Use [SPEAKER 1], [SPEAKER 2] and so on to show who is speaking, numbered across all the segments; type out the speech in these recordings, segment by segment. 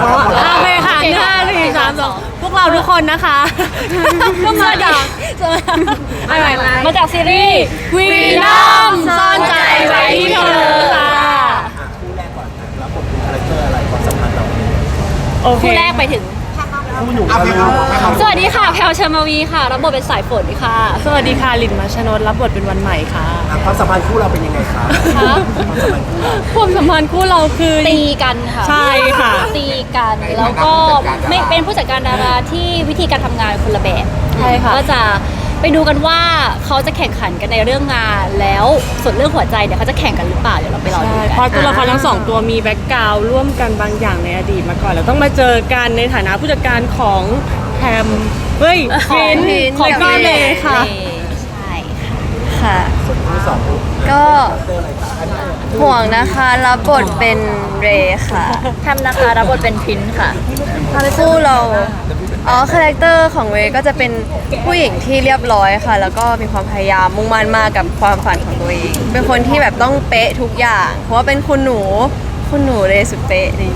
[SPEAKER 1] โอเคค่ะ5 4 3 2พวกเราทุกคนนะคะก็มาจากมาจากซีรีส์วีนัมซ่อนใจไว้ที่เธอค่ะ
[SPEAKER 2] คู่แรกก่อนแล้วบทเป็นคาแรคเตอร์อะไรความสัมพันธ์เรา
[SPEAKER 1] โอเค
[SPEAKER 3] คู่แรกไปถึง
[SPEAKER 2] คู่หนู
[SPEAKER 3] สวัสดีค่ะแพลวเชอร์มาวีค่ะรับบทเป็นสายฝนค่ะ
[SPEAKER 1] สวัสดีค่ะลินมัชนนท์รับบทเป็นวันใหม่ค่ะ
[SPEAKER 2] ความสัมพันธ์คู่เราเป็นยังไงครับความสัมพันธ์คู่เรา
[SPEAKER 1] ความสัมพันธ์คู่เราคือ
[SPEAKER 3] ตีกันค่ะ
[SPEAKER 1] ใช่ค่ะ
[SPEAKER 3] ตีกันแล้วก็ไม่เป็นผู้จัดการดาราที่วิธีการทำงานคนละแบบ
[SPEAKER 1] ใช่ค่ะ
[SPEAKER 3] ก็จะไปดูกันว่าเขาจะแข่งขันกันในเรื่องงานแล้วส่วนเรื่องหัวใจเนี่ยเขาจะแข่งกันหรือเปล่าเดี๋ยวเราไปรอดู
[SPEAKER 1] ใช่
[SPEAKER 3] กัน
[SPEAKER 1] เพราะตัวละครทั้งสองตัวมีแบ็กกราวด์ร่วมกันบางอย่างในอดีตมาก่อนแล้วต้องมาเจอกันในฐานะผู้จัดการของแฮมเฮ้ยฟินของก้อนเลยค่ะ
[SPEAKER 3] ใช่ค่ะ
[SPEAKER 4] ค่ะ
[SPEAKER 2] คู่สองคู่
[SPEAKER 4] ก็
[SPEAKER 2] เตอร์อะไรครับ
[SPEAKER 4] ห่วงนะคะรับบทเป็นเรย์ค่ะ
[SPEAKER 3] แทมนะคะรับบทเป็นพินค่ะ
[SPEAKER 4] คู่เราคาแรคเตอร์ของเรย์ก็จะเป็นผู้หญิงที่เรียบร้อยค่ะ แล้วก็มีความพยายามมุ่งมั่นมากกับความฝันของตัวเอง เป็นคนที่แบบต้องเป๊ะทุกอย่าง เพราะว่าเป็นคุณหนูเรย์สุดเป๊ะนี่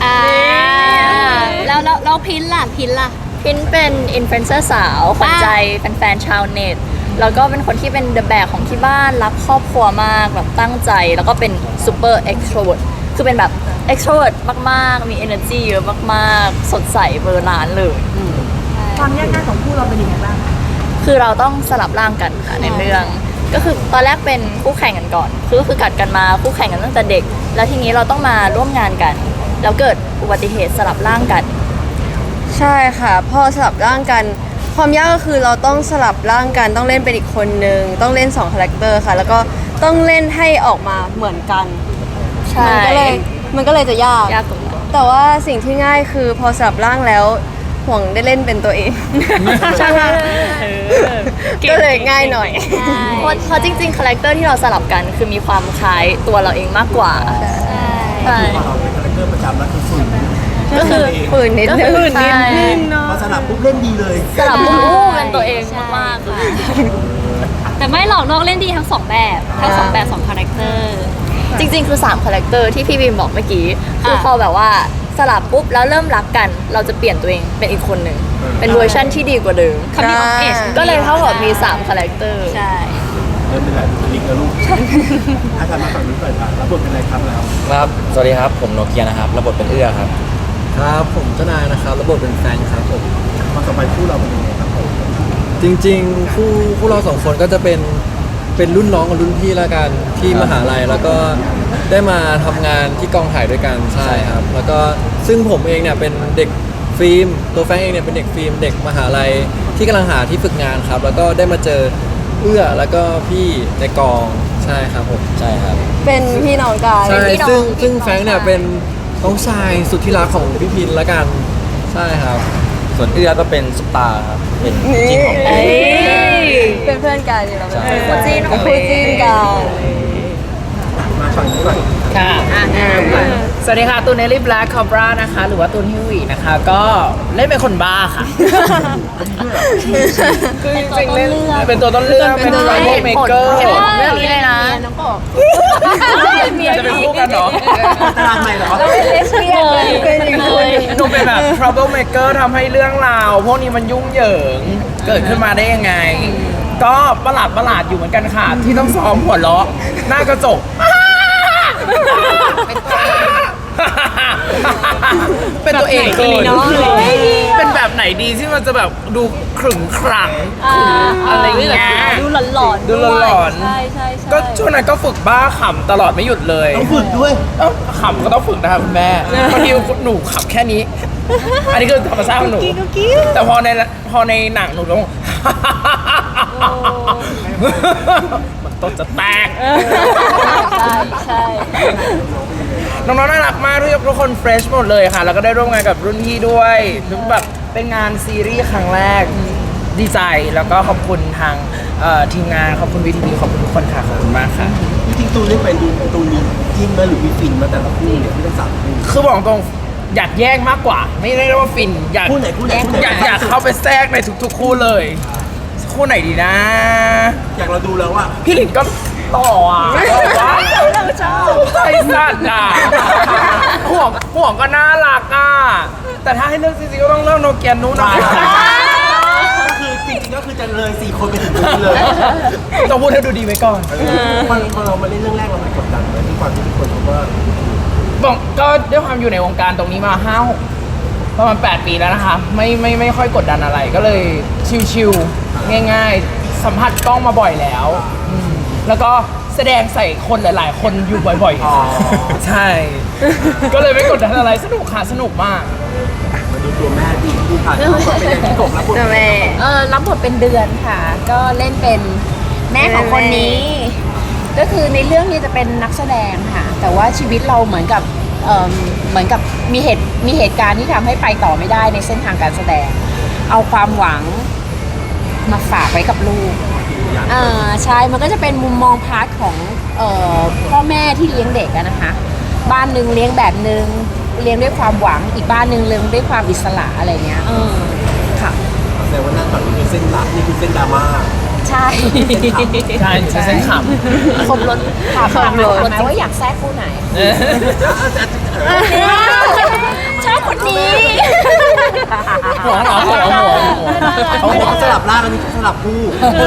[SPEAKER 3] แล้วพินล่ะพินเป็นอินฟลูเอนเซอร์สาวขวัญใจแฟนๆชาวเน็ตแล้วก็เป็นคนที่เป็นเดอะแบกของที่บ้านรักครอบครัวมากแบบตั้งใจแล้วก็เป็นซูเปอร์เอ็กโทรเวิร์ดคือเป็นแบบเอ็กโทรเวิร์ดมากๆมี energy เยอะมากๆสดใสเบอร์ล้านเลย
[SPEAKER 5] ความยากง่ายของคู่เราเป็นยังไงบ้าง
[SPEAKER 3] คือเราต้องสลับร่างกันค่ะในเรื่อง ก็คือตอนแรกเป็นคู่แข่งกันก่อนคือกัดกันมาคู่แข่งกันตั้งแต่เด็ก แล้วทีนี้เราต้องมาร่วมงานกัน แล้วเกิดอุบัติเหตุสลับร่างกัน
[SPEAKER 4] ใช่ค่ะพอสลับร่างกัน ความยากก็คือเราต้องสลับร่างกันต้องเล่นเป็นอีกคนนึงต้องเล่น2คาแรคเตอร์ค่ะ แล้วก็ต้องเล่นให้ออกมาเหมือนกัน
[SPEAKER 3] ใช่
[SPEAKER 4] มันก็เลยจะยาก
[SPEAKER 3] ยากตรงนั้น
[SPEAKER 4] แต่ว่าสิ่งที่ง่ายคือพอสลับร่างแล้วห่วงได้เล่นเป็นตัวเอง
[SPEAKER 1] ใช่ค่ะ
[SPEAKER 4] ก็เลยง่ายหน่อย
[SPEAKER 3] เพราะจริงๆคาแรคเตอร์ที่เราสลับกันคือมีความคล้ายตัวเราเองมากกว่าใช่
[SPEAKER 2] เราเป็นคาแรคเตอร์ประจำแล้วคือฝุ่น
[SPEAKER 3] ก็คือ
[SPEAKER 4] ฝืนนิดนึง
[SPEAKER 3] ใช่
[SPEAKER 2] พอสลับปุ๊บเล่นดีเลย
[SPEAKER 3] สลับปุ๊บเป็นตัวเองมากๆค่ะแต่ไม่หรอกนอกเล่นดีทั้งสองแบบสองคาแรคเตอร์จริงๆคือ3คาแรคเตอร์ที่พี่บีมบอกเมื่อกี้คือพอแบบว่าสลับปุ๊บแล้วเริ่มรักกัน เราจะเปลี่ยนตัวเองเป็นอีกคนหนึ่งเป็นเวอร์ชั่นที่ดีกว่าเดิม
[SPEAKER 4] Coming of age
[SPEAKER 3] ก็เลยเท่ากับมี3คาแรคเตอร์ใช่
[SPEAKER 2] เริ่มเป็นแบบลิงกับลูกอาจารย์มาฝั่งนี้ก่อนครับรับบทเป็นอะไรครับแล้ว
[SPEAKER 6] ครับ สวัสดีครับ ผมโนเกียนะครับระบบเป็นเอื้อครับ
[SPEAKER 7] ครับผมเจ้านายนะครับระบบเป็นแฟนครับผม
[SPEAKER 2] ความสัมพันธ์คู่เราเป็นยังไงครับผม
[SPEAKER 7] จริงๆคู่เราสองคนก็จะเป็นรุ่นน้องกับรุ่นพี่ละกันที่มหาลัยแล้วก็ได้มาทำงานที่กองถ่ายด้วยกันใช่ครับแล้วก็ซึ่งผมเองเนี่ยเป็นเด็กฟิล์มตัวแฟนเองเนี่ยเป็นเด็กฟิล์มเด็กมหาลัยที่กำลังหาที่ฝึกงานครับแล้วก็ได้มาเจอเอื้อแล้วก็พี่ในกองใช่ครับผม
[SPEAKER 6] ใช่ครับ
[SPEAKER 4] เป็นพี่น้องกัน
[SPEAKER 7] ใช่ซึ่งแฟรงค์เนี่ยเป็นน้องชายสุดที่รักของพี่พินละกันใช่ครับ
[SPEAKER 6] ส่วนเอื้อก็เป็นซุปตาร์ครับ เป็น
[SPEAKER 4] นี่
[SPEAKER 6] จริงของ
[SPEAKER 4] เอ้ยเป็นเพื่อนกันเราเป็น
[SPEAKER 3] คู่จิ้นของ
[SPEAKER 4] คู่จิ้นกัน
[SPEAKER 2] มาฝั่งนี้ก่อน
[SPEAKER 5] ค่ะสวัสดีค่ะตูนเนลลี่แบล็คคอบรานะคะหรือว่าตูนฮิววีนะคะ ก็เล่นเป็นคนบ้าค่ะ คือจริงๆเล่นเป็นตัวต้นเรื่องเป็นไวโอเมเกอร์
[SPEAKER 3] เรื่องนี้เลยนะ
[SPEAKER 5] จะเป็นคู่กันเหรอ
[SPEAKER 2] ตารางใหม่เหรอ
[SPEAKER 4] เป็นอีกคนหนึ่ง
[SPEAKER 5] หนูเป็นแบบ trouble maker ทำให้เรื่องราวพวกนี้มันยุ่งเหยิงเกิดขึ้นมาได้ยังไง ก็ประหลาดอยู่เหมือนกันค่ะ ที่ต้องซ้อมหัวเราะหน้ากระจก เป็นตัวเองเกินเป็นแบบไหนดีที่มันจะแบบดูขรึงขรังอะไรอย่างเงี้ย
[SPEAKER 3] ดูหลอนๆ
[SPEAKER 5] ดูหลอน
[SPEAKER 3] ใช่
[SPEAKER 5] ๆก็ช่วงนั้นก็ฝึกบ้าขำตลอดไม่หยุดเลย
[SPEAKER 2] ต้องฝึกด้วย
[SPEAKER 5] เอ้าขำก็ต้องฝึกนะครับคุณแม่บางทีหนูขำแค่นี้ อันนี้คือธรรมชาติของหนูแต่พอในหนังหนูต้อง มันต้นจะแตก
[SPEAKER 3] ใช่
[SPEAKER 5] น้องๆน่ารักมากทุกคนเฟรชหมดเลยค่ะ แล้วก็ได้ร่วมงานกับรุ่นพี่ด้วยแบบเป็นงานซีรีส์ครั้งแรกดีใจแล้วก็ขอบคุณทางทีมงานขอบคุณวีทีวีขอบคุณทุกคนค่ะขอบคุณมากค่ะ
[SPEAKER 2] จริงๆตูนเล่นเป็นตูนมีจิ้มไหมหรือมีฟินมาแต่ละคู่เนี่ยที่ต้องสามคู่
[SPEAKER 5] คือบอกตรงอยากแยกมากกว่า ไม่ได้เรียกว่าฟินอยาก
[SPEAKER 2] คู่ไหนคู่ไหนคู่ไหน
[SPEAKER 5] อยากเข้าไปแทรกในทุกๆคู่เลยคู่ไหนดีนะ
[SPEAKER 2] อยากเราดูแล้วว่า
[SPEAKER 5] พี่หลินก็ต่ออ่ะว้าวใจสั่นอ่ะห่วงก็น่ารักอ่ะแต่แต่ถ้าให้เลือกจริงๆก็ต้องเลือกโนเกียนู้นนะ
[SPEAKER 2] ก็คือจริงๆก็คือจะเลย4 คนไปถึงตรงนี้เลย
[SPEAKER 5] ต้องพูดให้ดูดีไว้ก่อน
[SPEAKER 2] พอเรามาเล่นเรื่องแรกเราไม่กดดันเลยที่ความที่ทุกคนเขาก็
[SPEAKER 5] บอกก็ด้วยความอยู่ในวงการตรงนี้มา5-6ประมาณ8 ปีแล้วนะคะไม่ค่อยกดดันอะไรก็เลยชิวๆง่ายๆ สัมผัสกล้องมาบ่อยแล้วแล้วก็แสดงใส่คนหลายๆ คนอยู่บ่อยๆใช่ ก็เลยไม่กดดันอะไรสนุกค่ะสนุกมาก
[SPEAKER 2] มาดูตัวแม่ดีผู้ผ่านเขาก็เป็นอย่างที่กบแล้วคน
[SPEAKER 4] เจ้าแม่
[SPEAKER 8] รับบทเป็นเดือนค่ะ ก็เล่นเป็นแม่ของคนนี้ ก็คือในเรื่องนี้จะเป็นนักแสดงค่ะ แต่ว่าชีวิตเราเหมือนกับมีเหตุการณ์ที่ทำให้ไปต่อไม่ได้ในเส้นทางการแสดง เอาความหวังมาฝากไว้กับลูกใช่ มันก็จะเป็นมุมมองพาร์ทของพ่อแม่ที่เลี้ยงเด็กอะนะคะ บ้านหนึ่งเลี้ยงแบบหนึ่งเลี้ยงด้วยความหวังอีกบ้านหนึ่งเลี้ยงด้วยความอิสระอะไรเงี้ยค่ะ
[SPEAKER 2] แต่ว่าหน้าตอนนี้คือเส้นลับนี่คือเส้นดราม่า
[SPEAKER 8] ใช่
[SPEAKER 5] ใช่ใช่เส้นข
[SPEAKER 8] ครบรถถามครบรถไหมว่าอยากแทรกคู่ไหน ชอบคนนี้
[SPEAKER 5] ำหัวเหรอหัว
[SPEAKER 2] เขาบอกสลับร่างอันนี้สลับคู่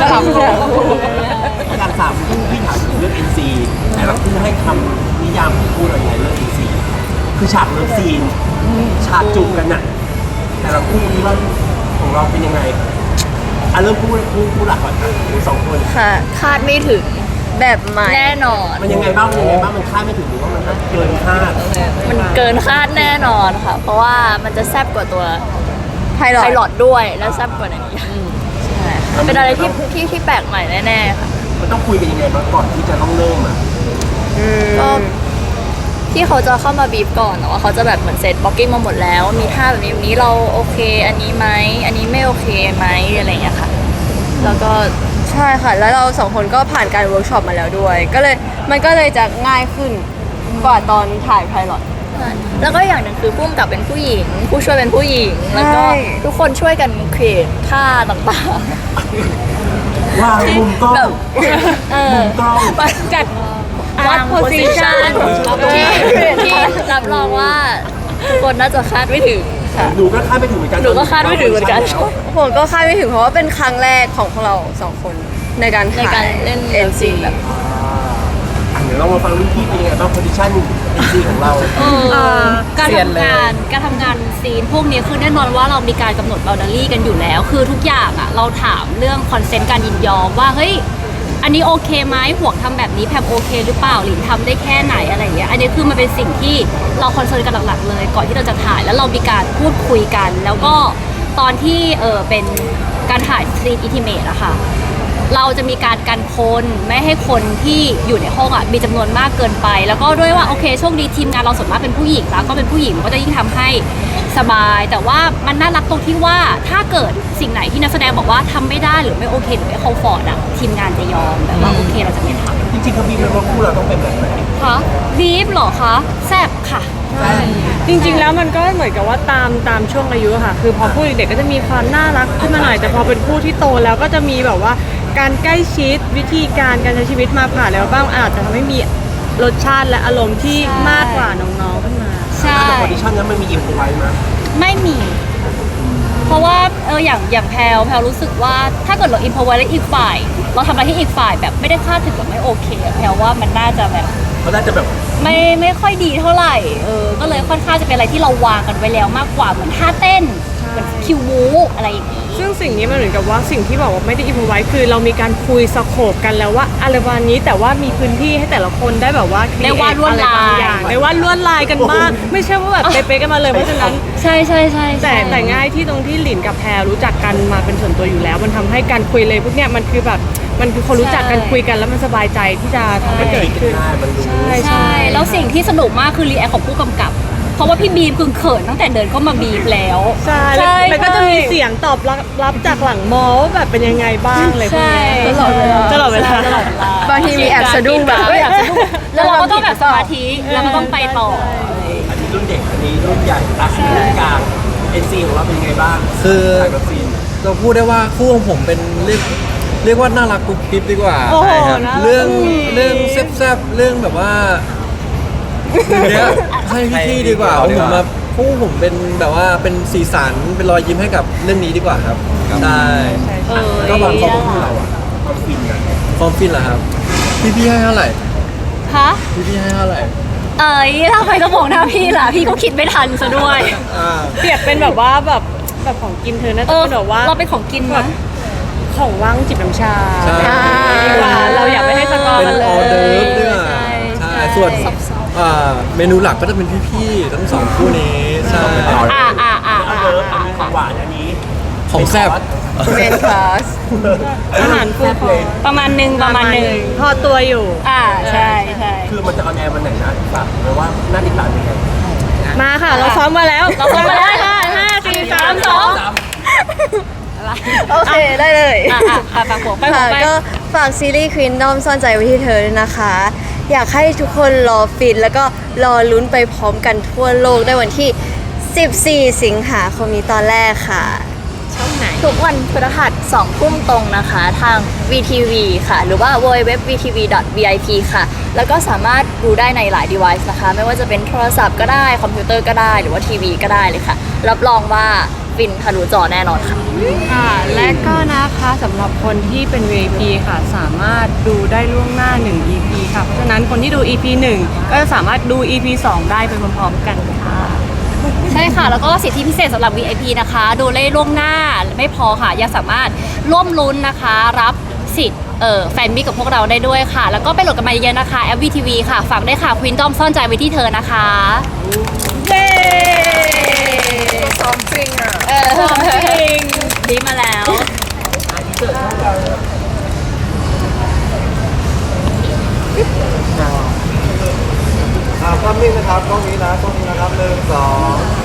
[SPEAKER 2] การ3 คู่พี่ถามถึงเรื่อง NC แต่ละคู่ให้คำนิยามของคู่เราอย่างไรเรื่อง NC คือฉากเลิฟซีนฉากจูบกันน่ะแต่ละคู่นี้ว่าของเราเป็นยังไงเริ่มคู่หลักก่อนนะคู่2 คน
[SPEAKER 4] ค่ะ
[SPEAKER 3] คาดไม่ถึง
[SPEAKER 4] แบบใหม่
[SPEAKER 3] แน่นอน
[SPEAKER 2] มันยังไงบ้างมันคาดไม่ถึงหรือว่ามันเกินคาด
[SPEAKER 3] มันเกินคาดแน่นอนค่ะ เพราะว่ามันจะแซ่บกว่าตัว
[SPEAKER 4] ไพลอ
[SPEAKER 3] ไพ
[SPEAKER 4] ต
[SPEAKER 3] ลอตด้วยแล้วแซ่บกว่านั้นอีกใช่เป็นอะไรที่แปลกใหม่แน่ๆค่ะ
[SPEAKER 2] มันต้องคุยกันยังไงบ้างก่อนที่จะต้องเริ่มอ่ะ
[SPEAKER 3] ก็ที่เขาจะเข้ามาบีบก่อนแต่ว่าเขาจะแบบเหมือนเซตบล็อกกิ้งมาหมดแล้ว มีท่าแบบนี้แบบนี้เราโอเค อันนี้ไหมอันนี้ไม่โอเคไหมอะไรอย่างเงี้ยค่ะ แล้วก็
[SPEAKER 4] ใช่ค่ะ แล้วเรา2 คนก็ผ่านการเวิร์กช็อปมาแล้วด้วย มันก็เลยจะง่ายขึ้นกว่าตอนถ่ายไพลอต
[SPEAKER 3] แล้วก็อย่างหนึ่งคือผู้กำกับเป็นผู้หญิง ผู้ช่วยเป็นผู้หญิง แล้วก็
[SPEAKER 4] ใช่
[SPEAKER 3] ทุกคนช่วยกันครีเอทท่าต่าง
[SPEAKER 2] วางมุมกล้อง
[SPEAKER 3] ๆแบบ
[SPEAKER 2] มุมกล้อง
[SPEAKER 3] จัดวัดโพสิชันที่รับรองว่าทุกคนน่าจะคาดไม่ถึงค่ะ
[SPEAKER 2] หนูก็คาดไม่ถึงเหมือนกัน
[SPEAKER 3] หนูก็คาดไม่ถึงเหมือนกัน
[SPEAKER 4] ผมก็คาดไม่ถึงเพราะว่าเป็นครั้งแรกของพวกเรา2 คนในการ
[SPEAKER 3] ในการเล่น
[SPEAKER 4] NC
[SPEAKER 3] แบบ
[SPEAKER 2] เดี๋ยวเรามาฟังรุ่นพี่เป็นยังไงบ้างโพซิชั่น NC ของเรา
[SPEAKER 1] การทำงานซีนพวกนี้คือแน่นอนว่าเรามีการกำหนดบ o ว d ด r y กันอยู่แล้ว คือทุกอย่างอ่ะเราถามเรื่องคอนเซนต์การยินยอมว่าเฮ้ยอันนี้โอเคไหมห่วงทำแบบนี้แพมโอเคหรือเปล่าหลินทำได้แค่ไหนอะไรอย่างเงี้ยอันนี้คือมันเป็นสิ่งที่เราคอนเซิร์นกันหลักๆเลยก่อนที่เราจะถ่ายแล้วเรามีการพูดคุยกัน แล้วก็ตอนที่เป็นการถ่ายซีนอินทิเมตอะค่ะ เราจะมีการกันคนไม่ให้คนที่อยู่ในห้องอ่ะมีจำนวนมากเกินไป แล้วก็ด้วยว่าโอเคโชคดีทีมงานเราส่วนมากเป็นผู้หญิงแล้วก็เป็นผู้หญิงมันก็จะยิ่งทำให้สบาย แต่ว่ามันน่ารักตรงที่ว่าถ้าเกิดสิ่งไหนที่นักแสดงบอกว่าทำไม่ได้หรือไม่โอเคหรือไม่คอมฟอร์ตอ่ะทีมงานจะยอมแบบว่าโอเคเราจะไม่ทำ
[SPEAKER 2] จริงๆเขาบีบไว้ว่าคู่เราต้องเป็นแบบไหน
[SPEAKER 1] คะบีฟเหรอคะแซบค่ะ
[SPEAKER 9] จริงๆ แล้วมันก็เหมือนกับว่าตามช่วงอายุอะค่ะ คือพอผู้เด็กๆก็จะมีความน่ารักขึ้นมาหน่อย แต่พอเป็นผู้ที่โตแล้วก็จะมีแบบว่าการใกล้ชิดวิธีการใช้ชีวิตมาผ่านแล้วบ้างอาจจะทำให้มีรสชาติและอารมณ์ที่มากกว่าน้องๆขึ้นมา
[SPEAKER 1] ใช่
[SPEAKER 2] แต่โพซิชั่นนั้นมันมีอิมพอไว้ไหม
[SPEAKER 1] ไม่มี เพราะว่าอย่างแพลรู้สึกว่าถ้าเกิดเราอินพอไว้แล้วอีกฝ่าย เราทำอะไรที่อีกฝ่ายแบบไม่ได้คาดถึงแบบไม่โอเคอะแพลว่ามันน่าจะแบบ
[SPEAKER 2] เขาน่าจะแบบ
[SPEAKER 1] ไม่ค่อยดีเท่าไหร่ก็เลยค่อนข้างจะเป็นอะไรที่เราวางกันไว้แล้วมากกว่าเหมือนท่าเต้นเหมือนคิวบูอะไรอย่างงี้
[SPEAKER 9] ซึ่งสิ่งนี้มันเหมือนกับว่าสิ่งที่บอกว่าไม่ได้อินพอไว้คือเรามีการคุยสโคปกันแล้วว่าอะไรวันนี้แต่ว่ามีพื้นที่ให้แต่ละคนได้แบบว่า
[SPEAKER 1] ได้วาดลวดลาย
[SPEAKER 9] ได้วาดลวดลายกันบ้างไม่ใช่ว่าแบบเป๊ะๆกันมาเลยเพราะฉะนั้น
[SPEAKER 1] ใช่
[SPEAKER 9] แต่ง่ายที่ตรงที่หลินกับแพรรู้จักกันมาเป็นส่วนตัวอยู่แล้ว มันทำให้การคุยเลยพวกเนี้ยมันคือแบบมันคือคนรู้จักกันคุยกันแล้วมันสบายใจที่จะทำให้เกิดขึ้น
[SPEAKER 2] ได้มันรู้
[SPEAKER 1] ใช่แล้วสิ่งที่สนุกมากคือรีแอคของผู้กำกับ เพราะว่าพี่บีมคือเขินตั้งแต่เดินเข้ามาบีบแล้ว
[SPEAKER 9] ใช่แล้วก็จะมีเสียงตอบรับจากหลังมอว่าแบบเป็นยังไงบ้างเลยพวก
[SPEAKER 1] ใช่
[SPEAKER 9] เนี้ยตลอดเวลา
[SPEAKER 4] บางทีมีแอบสะดุ้งแบบ
[SPEAKER 1] แล้วเราก็ต้องแบบสมาธิแล้วก็ต้องไปต่อ
[SPEAKER 2] อันนี้รุ่นเด็กอันนี้รุ่นใหญ่อันนี้รุ่นกลาง NC ของเราเป็นยังไงบ้าง
[SPEAKER 7] คือ
[SPEAKER 2] ถ่ายแบบซีน
[SPEAKER 7] เราพูดได้ว่าคู่ของผมเป็นเรียกว่าน่ารักกุ๊บกิ๊บดีกว่า
[SPEAKER 9] โอ้โห
[SPEAKER 7] ใช่ครับ
[SPEAKER 9] น่ารัก
[SPEAKER 7] เรื่อง
[SPEAKER 9] กุ๊บกิ๊บ
[SPEAKER 7] เรื่องแซ่บๆเรื่องแบบว่าเนี้ยให้พี่ๆดีกว่าผมมาพวกผมเป็นแบบว่าเป็นสีสันเป็นรอยยิ้มให้กับเรื่องนี้ดีกว่าครับใช่
[SPEAKER 2] ก็บางคนของเราอะความฟินอะ
[SPEAKER 7] ความฟินเหรอครับพี่ให้เท่าไหร่
[SPEAKER 3] ฮะ
[SPEAKER 7] พี่ให้เท่าไหร่
[SPEAKER 3] เอ้ยทำไมต้องบอกหน้าพี่ล่ะ พี่ก็คิดไม่ทันซะด้วย
[SPEAKER 9] เปรียบเป็นแบบว่าแบบของกินเธอน่าจะเป็นแบบว่า
[SPEAKER 3] เราเป็นของกินนะ
[SPEAKER 9] ของว่างจิบน้ำชา
[SPEAKER 7] ใช่
[SPEAKER 9] ดีกว่าเราอยากไม่ให้สกอร์
[SPEAKER 7] เป็น
[SPEAKER 9] กันเล
[SPEAKER 7] ออเดิร์ฟ
[SPEAKER 9] ย
[SPEAKER 7] เนี่ย
[SPEAKER 3] ใช่
[SPEAKER 7] ใช่ส่วนเมนูหลักก็จะเป็นพี่ๆทั้งสองคู่นี้ใช่
[SPEAKER 2] เอาเลิฟอันนี้ของหวานอันนี้
[SPEAKER 7] ของแซ่บ
[SPEAKER 4] เมนคลาส
[SPEAKER 9] อาหารฟู้ดคอร์ท
[SPEAKER 3] ประมาณหนึ่ง
[SPEAKER 9] พอตัวอยู่
[SPEAKER 3] ใช่ใช่
[SPEAKER 2] คือมันจะออนแอร์วันไหนนะฝากไว้ว่าน่าติดตามยังไง
[SPEAKER 9] มาค่ะ เราซ้อมมาแล้ว
[SPEAKER 3] เราซ้อมมาแล้วค่ะ
[SPEAKER 9] 5 4 3
[SPEAKER 4] โอเคได้เลย
[SPEAKER 3] ฝากผมไป
[SPEAKER 4] ค่ะก็ฝากซีรีส์ Kingdom ซ่อนใจไว้ที่เธอด้วยนะคะ อยากให้ทุกคนรอฟินแล้วก็รอลุ้นไปพร้อมกันทั่วโลกได้วันที่ 14 สิงหาคมนี้ตอนแรกค่ะ
[SPEAKER 3] ทุกวันพฤหัส2 ทุ่มตรงนะคะ ทาง VTV ค่ะ หรือว่า www.vtv.vip ค่ะ แล้วก็สามารถดูได้ในหลาย device นะคะ ไม่ว่าจะเป็นโทรศัพท์ก็ได้ คอมพิวเตอร์ก็ได้ หรือว่าทีวีก็ได้เลยค่ะ รับรองว่าฟินทะลุจอแน่นอนค่ะ
[SPEAKER 9] ค่ะ และก็นะคะสำหรับคนที่เป็น VIP ค่ะ สามารถดูได้ล่วงหน้า 1 EP ค่ะ เพราะฉะนั้นคนที่ดู EP 1 ก็จะสามารถดู EP 2 ได้ไปพร้อมๆกันค่ะ
[SPEAKER 3] ใช่ค่ะ แล้วก็สิทธิพิเศษสำหรับ VIP นะคะ ดูได้ล่วงหน้าไม่พอค่ะ ยังสามารถร่วมลุ้นนะคะ รับสิทธิ์แฟนมิกกับพวกเราได้ด้วยค่ะ แล้วก็ไปโหลดกันมาเยอะๆนะคะแอป VTV ค่ะ ฝากได้วยค่ะ Kingdom ซ่อนใจไว้ที่เธอนะคะ
[SPEAKER 9] เย้
[SPEAKER 5] ซ้อมจริงอ่ะ
[SPEAKER 3] จริงดีมาแล้ว
[SPEAKER 7] ภาพนิ่งนะครับกล้องนี้นะกล้องนี้นะครับ1 2